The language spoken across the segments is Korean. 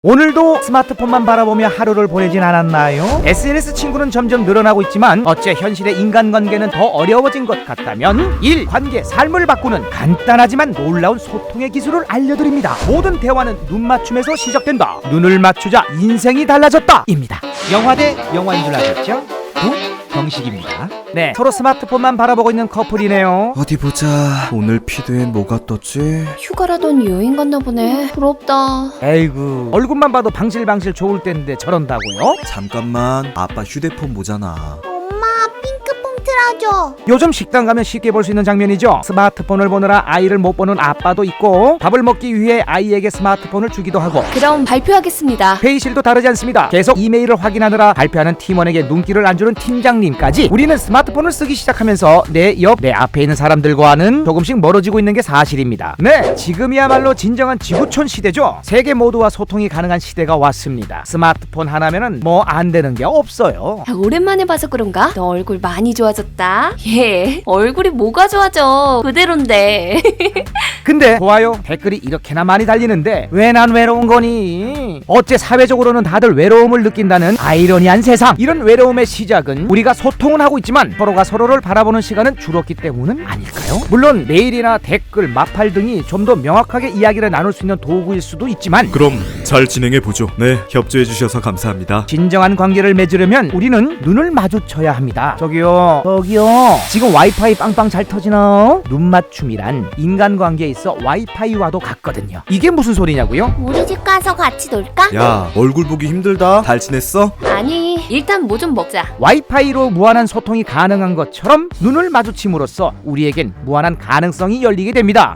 오늘도 스마트폰만 바라보며 하루를 보내진 않았나요? SNS 친구는 점점 늘어나고 있지만 어째 현실의 인간관계는 더 어려워진 것 같다면 일, 관계, 삶을 바꾸는 간단하지만 놀라운 소통의 기술을 알려드립니다. 모든 대화는 눈 맞춤에서 시작된다. 눈을 맞추자 인생이 달라졌다 입니다. 영화 대 영화인 줄 아셨죠? 경식입니다. 네, 서로 스마트폰만 바라보고 있는 커플이네요. 어디 보자. 오늘 피드엔 뭐가 떴지? 휴가라던 여행 갔나 보네. 부럽다. 에이구, 얼굴만 봐도 방실방실 좋을 텐데 저런다고요? 잠깐만, 아빠 휴대폰 보잖아. 엄마, 핑크퐁 틀어줘. 요즘 식당 가면 쉽게 볼 수 있는 장면이죠. 스마트폰을 보느라 아이를 못 보는 아빠도 있고, 밥을 먹기 위해 아이에게 스마트폰을 주기도 하고, 그럼 발표하겠습니다. 회의실도 다르지 않습니다. 계속 이메일을 확인하느라 발표하는 팀원에게 눈길을 안 주는 팀장님까지 우리는 스마트폰을 쓰기 시작하면서 내 앞에 있는 사람들과는 조금씩 멀어지고 있는 게 사실입니다. 네, 지금이야말로 진정한 지구촌 시대죠. 세계 모두와 소통이 가능한 시대가 왔습니다. 스마트폰 하나면은 뭐 안 되는 게 없어요. 오랜만에 봐서 그런가? 너 얼굴 많이 좋아졌다. 예, 얼굴이 뭐가 좋아져. 그대로인데. 근데 좋아요, 댓글이 이렇게나 많이 달리는데 왜 난 외로운 거니? 어째 사회적으로는 다들 외로움을 느낀다는 아이러니한 세상. 이런 외로움의 시작은 우리가 소통은 하고 있지만 서로가 서로를 바라보는 시간은 줄었기 때문은 아닐까요? 물론 메일이나 댓글, 마팔 등이 좀 더 명확하게 이야기를 나눌 수 있는 도구일 수도 있지만 그럼 잘 진행해보죠. 네, 협조해주셔서 감사합니다. 진정한 관계를 맺으려면 우리는 눈을 마주쳐야 합니다. 저기요 지금 와이파이 빵빵 잘 터지나? 눈 맞춤이란 인간관계에 있어 와이파이와도 같거든요. 이게 무슨 소리냐고요? 우리 집 가서 같이 놀까? 야, 얼굴 보기 힘들다. 잘 지냈어? 아니, 일단 뭐 좀 먹자. 와이파이로 무한한 소통이 가능한 것처럼 눈을 마주침으로써 우리에겐 무한한 가능성이 열리게 됩니다.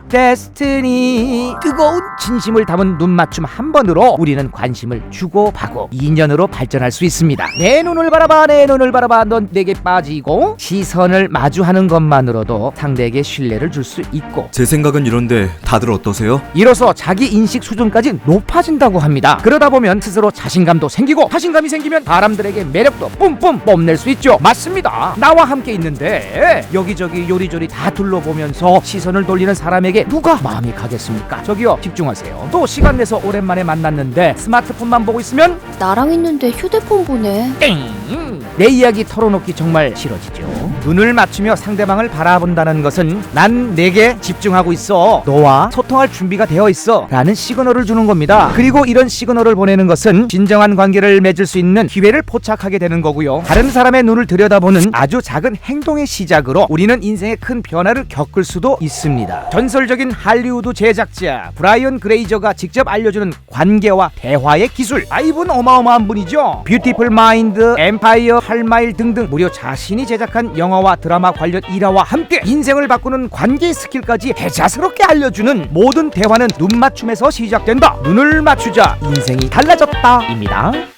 데스티니. 뜨거운 진심을 담은 눈 맞춤 한 번으로 우리는 관심을 주고받고 인연으로 발전할 수 있습니다. 내 눈을 바라봐, 내 눈을 바라봐, 넌 내게 빠지고. 시선을 마주하는 것만으로도 상대에게 신뢰를 줄 수 있고, 제 생각은 이런데 다들 어떠세요? 이로써 자기 인식 수준까지 높아진다고 합니다. 그러다 보면 스스로 자신감도 생기고, 자신감이 생기면 사람들에게 매력도 뿜뿜 뽐낼 수 있죠. 맞습니다. 나와 함께 있는데 여기저기 요리조리 다 둘러보면서 시선을 돌리는 사람에게 누가 마음이 가겠습니까? 저기요, 집중하세요. 또 시간 내서 오랜만에 만났는데 스마트폰만 보고 있으면 나랑 있는데 휴대폰 보네. 땡! 내 이야기 털어놓기 정말 싫어지죠. 눈을 맞추며 상대방을 바라본다는 것은 난 내게 집중하고 있어, 너와 소통할 준비가 되어 있어 라는 시그널을 주는 겁니다. 그리고 이런 시그널을 보내는 것은 진정한 관계를 맺을 수 있는 기회를 포착하게 되는 거고요. 다른 사람의 눈을 들여다보는 아주 작은 행동의 시작으로 우리는 인생의 큰 변화를 겪을 수도 있습니다. 전설적인 할리우드 제작자 브라이언 그레이저가 직접 알려주는 관계와 대화의 기술. 이분 어마어마한 분이죠. 뷰티풀 마인드, 엠파이어, 8마일 등등 무려 자신이 제작한 영화와 드라마 관련 일화와 함께 인생을 바꾸는 관계 스킬까지 대자스럽게 알려주는 모든 대화는 눈 맞춤에서 시작된다. 눈을 맞추자 인생이 달라졌다 입니다.